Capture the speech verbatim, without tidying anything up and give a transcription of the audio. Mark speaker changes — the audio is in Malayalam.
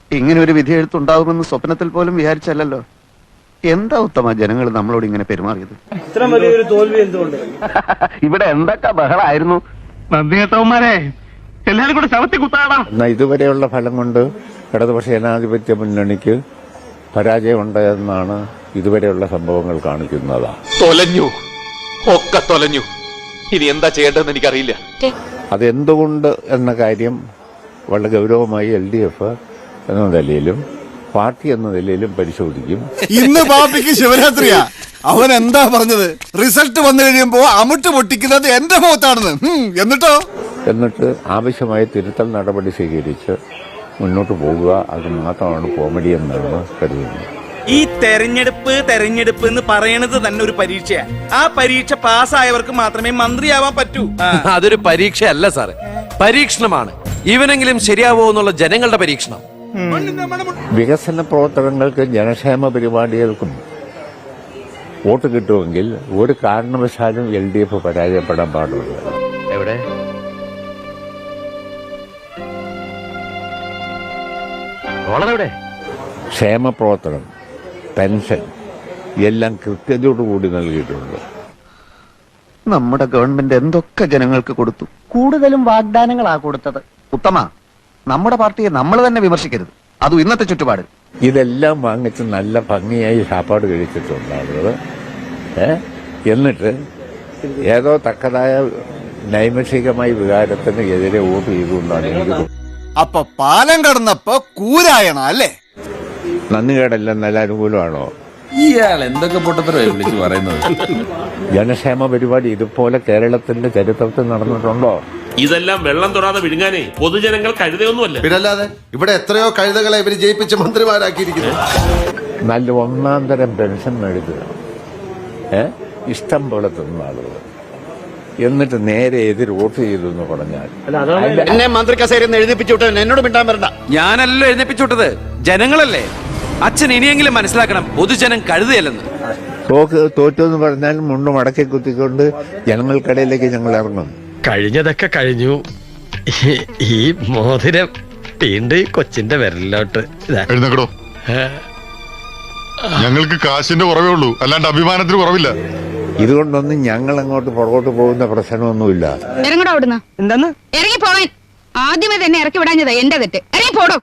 Speaker 1: ഇങ്ങനെ ഒരു വിധി എഴുത്തുണ്ടാവുമെന്ന് സ്വപ്നത്തിൽ പോലും വിചാരിച്ചല്ലോ. എന്താ ഉത്തമ ജനങ്ങൾ നമ്മളോട് ഇങ്ങനെ പെരുമാറിയത്?
Speaker 2: ഇത്ര വലിയൊരു തോൽവി എന്തുകൊണ്ട്?
Speaker 1: ഇവിടെ എന്തൊക്കെ ബഹളായിരുന്നു.
Speaker 3: നന്ദികേട്ടവന്മാരെ എല്ലാരും കൂടെ ശവത്തി കുത്താടാ.
Speaker 4: ഇതുവരെയുള്ള ഫലം കൊണ്ട് ഇടതുപക്ഷ ജനാധിപത്യ മുന്നണിക്ക് പരാജയമുണ്ടായെന്നാണ് ഇതുവരെയുള്ള സംഭവങ്ങൾ കാണിക്കുന്നത്.
Speaker 5: തൊലഞ്ഞു, ഒക്കെ തൊലഞ്ഞു. ഇനി എന്താ ചെയ്യേണ്ടതെന്ന് എനിക്കറിയില്ല.
Speaker 4: അതെന്തുകൊണ്ട് എന്ന കാര്യം വളരെ ഗൗരവമായി എൽ ഡി എഫ് എന്ന നിലയിലും പാർട്ടി എന്ന നിലയിലും പരിശോധിക്കും.
Speaker 6: ഇന്ന് പാർട്ടിക്ക് ശിവരാത്രിയാ. അവൻ എന്താ പറഞ്ഞത്? റിസൾട്ട് വന്നു കഴിയുമ്പോ അമിട്ട് പൊട്ടിക്കുന്നത് എന്റെ മുഖത്താണെന്ന്. എന്നിട്ടോ
Speaker 4: എന്നിട്ട് ആവശ്യമായ തിരുത്തൽ നടപടി സ്വീകരിച്ച് മുന്നോട്ട് പോകുക. അത് മാത്രമാണ് കോമഡി എന്നാണ് കരുതുന്നത്.
Speaker 7: ഈ തെരഞ്ഞെടുപ്പ് തെരഞ്ഞെടുപ്പ് എന്ന് പറയണത് തന്നെ ഒരു പരീക്ഷയാ. ആ പരീക്ഷ പാസ്സായവർക്ക് മാത്രമേ മന്ത്രിയാവാൻ പറ്റൂ.
Speaker 8: അതൊരു പരീക്ഷയല്ല സാറേ, പരീക്ഷണമാണ്. ഇവനെങ്കിലും ശരിയാവോ എന്നുള്ള ജനങ്ങളുടെ പരീക്ഷണം.
Speaker 4: വികസന പ്രവർത്തനങ്ങൾക്കും ജനക്ഷേമ പരിപാടികൾക്കും വോട്ട് കിട്ടുമെങ്കിൽ ഒരു കാരണവശാലും എൽ ഡി എഫ് പരാജയപ്പെടാൻ പാടില്ല.
Speaker 8: എവിടെ എവിടെ
Speaker 4: ക്ഷേമ പ്രവർത്തനം, പെൻഷൻ എല്ലാം കൃത്യതയോടുകൂടി നൽകിയിട്ടുണ്ട്.
Speaker 1: നമ്മുടെ ഗവൺമെന്റ് എന്തൊക്കെ ജനങ്ങൾക്ക് കൊടുത്തു.
Speaker 2: കൂടുതലും വാഗ്ദാനങ്ങളാ കൊടുത്തത്.
Speaker 1: ഉത്തമ, നമ്മുടെ പാർട്ടിയെ നമ്മൾ തന്നെ വിമർശിക്കരുത്. അതും ഇന്നത്തെ ചുറ്റുപാട്.
Speaker 4: ഇതെല്ലാം വാങ്ങിച്ച് നല്ല ഭംഗിയായി സാപ്പാട് കഴിച്ചിട്ടുണ്ട് ആളുകൾ. ഏ എന്നിട്ട് ഏതോ തക്കതായ നൈമിഷികമായ വികാരത്തിന് എതിരെ വോട്ട് ചെയ്തുകൊണ്ടാണ് എനിക്ക്.
Speaker 6: അപ്പൊ പാലം കടന്നപ്പോ കൂരായണ അല്ലേ?
Speaker 4: നന്ദികേടെല്ലാം നല്ല അനുകൂലമാണോ?
Speaker 9: ഇയാൾ എന്തൊക്കെ പൊട്ടത്തരമായി വിളിച്ചു പറയുന്നത്?
Speaker 4: ജനക്ഷേമ പരിപാടി ഇതുപോലെ കേരളത്തിന്റെ ചരിത്രത്തിൽ നടന്നിട്ടുണ്ടോ?
Speaker 10: ഇതെല്ലാം വെള്ളം തൊടാതെ വിഴുങ്ങാനേ പൊതുജനങ്ങൾ കഴുതയൊന്നുമല്ല.
Speaker 6: പിന്നല്ലാതെ ഇവിടെ എത്രയോ കഴുതകളെ ഇവര് ജയിപ്പിച്ച് മന്ത്രിമാരാക്കിയിരിക്കുന്നു.
Speaker 4: നല്ല ഒന്നാം തരം പെൻഷൻ മേടിക്കുക, ഏ ഇഷ്ടം പോലെ തിന്ന ആളുകൾ, എന്നിട്ട് നേരെ എതിർ വോട്ട് ചെയ്തു എന്ന് പറഞ്ഞാൽ
Speaker 1: എന്നെ മന്ത്രി കസേരയിൽ എഴുതിപ്പിച്ചു വിട്ടവൻ എന്നോട് മിണ്ടാൻ വരണ്ട.
Speaker 8: ഞാനല്ലോ എഴുന്നേപ്പിച്ചു വിട്ടത്, ജനങ്ങളല്ലേ. അച്ഛൻ ഇനിയെങ്കിലും മനസ്സിലാക്കണം, പൊതുജനം കഴുതയല്ലെന്ന്.
Speaker 4: തോക്ക് തോറ്റു എന്ന് പറഞ്ഞാൽ മുണ്ട് മടക്കി കുത്തിക്കൊണ്ട് ജനങ്ങൾക്കിടയിലേക്ക് ഞങ്ങൾ ഇറങ്ങും.
Speaker 3: കഴിഞ്ഞതൊക്കെ കഴിഞ്ഞു. ഈ മോതിരം വീണ്ടും ഈ കൊച്ചിന്റെ വിരലിലോട്ട്.
Speaker 11: എഴുന്നേക്കടോ. ഞങ്ങൾക്ക് കാശിന്റെ കുറവേ ഉള്ളൂ, അല്ലാണ്ട് അഭിമാനത്തിന് കുറവില്ല.
Speaker 4: ഇതുകൊണ്ടൊന്നും ഞങ്ങൾ അങ്ങോട്ട് പുറകോട്ട് പോകുന്ന പ്രശ്നമൊന്നുമില്ല.
Speaker 12: ഇറങ്ങടോ അവിടുന്ന്.
Speaker 2: എന്താന്ന്
Speaker 12: ഇറങ്ങി പോവാൻ. ആദ്യമേ തന്നെ ഇറക്കി വിടാഞ്ഞത് എന്റെ തെറ്റ്. ഇറങ്ങി പോടോ.